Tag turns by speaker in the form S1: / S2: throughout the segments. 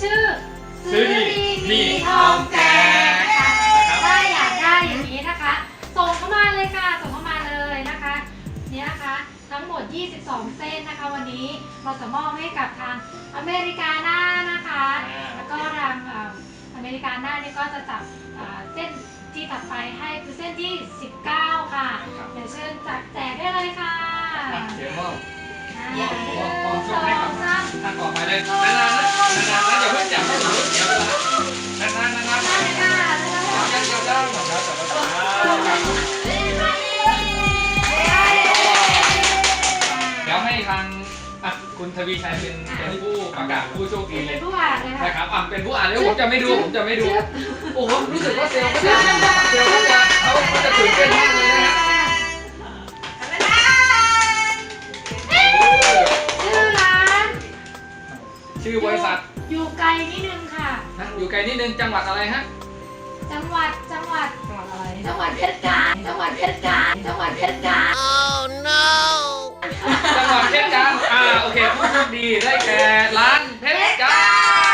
S1: ชื่อ
S2: ซื้อดีมีทองแจก
S1: นะคะ
S2: นะครับ
S1: ถ้าอยากได้อย่างนี้นะคะ ส่งเข้ามาเลยค่ะ ส่งเข้ามาเลยนะคะเนี่ยนะคะทั้งหมด 22 เส้นนะคะ วันนี้เราจะมอบให้กับทางอเมริกาหน้านะคะ แล้วก็ทางอเมริกาหน้านี่ก็จะจับเส้นที่ถัดไปให้คือเส้นที่ 19 ค่ะ เดี๋ยวเชิญจัดแจกได้เลยค่ะ
S2: เดี๋ยวมอบ
S1: หนึ่ง
S2: มอบ
S1: ส
S2: ช่ว
S1: อง
S2: ให้กับ
S1: สาม
S2: ท่านต่อไปเลยนานๆนะนานๆนะอย่าเพิ่งจับให้หนูเดี๋ยวเวลานานๆนานๆ
S1: ได้ค่ะ
S2: ยังยังยังของเราแต่ละตัวเดี๋ยวให้ทางคุณทวีชัยเป็นผู้ประกาศผู้โชคดี
S1: เป็นผู้อ่านเลยค่ะ
S2: นะครับเป็นผู้อ่านแล้วผมจะไม่ดูโอ้โหรู้สึกว่าเซลล์เขาจะตื่นเต้นมากเลยนะฮะ
S1: ชื่อร้าน
S2: ชื่อบริษัท
S1: อยู่ไกลนิดนึงค่ะ
S2: อยู่ไกลนิดนึงจังหวัดอะไรฮะ
S1: จังหวัดอะไรจังหวัดเพชรกาฬจังหวัดเพชรกาฬจังหวัดเพชรกาฬ
S2: จังหวัดเพชรกาฬโอเคผู้โชคดีได้แก่ร้านเพชรกาฬ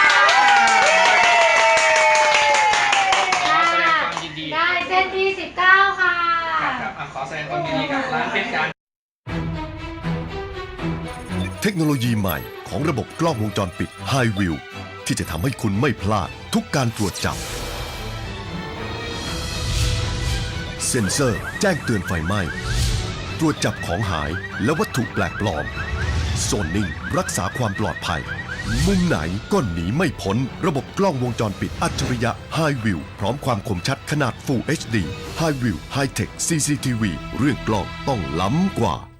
S2: ขอแสดงความยินดี
S1: ได้เส้นที่ 19 ค่ะ
S2: ครับขอแสดงความยินดีกับร้านเพชรกาฬ
S3: เทคโนโลยีใหม่ของระบบกล้องวงจรปิด High View ที่จะทำให้คุณไม่พลาดทุกการตรวจจับ เซ็นเซอร์แจ้งเตือนไฟไหม้ ตรวจจับของหายและวัตถุแปลกปลอม โซนนิ่งรักษาความปลอดภัย มุมไหนก็หนีไม่พ้นระบบกล้องวงจรปิดอัจฉริยะ High View พร้อมความคมชัดขนาด Full HD High View High Tech CCTV เรื่องกล้องต้องล้ำกว่า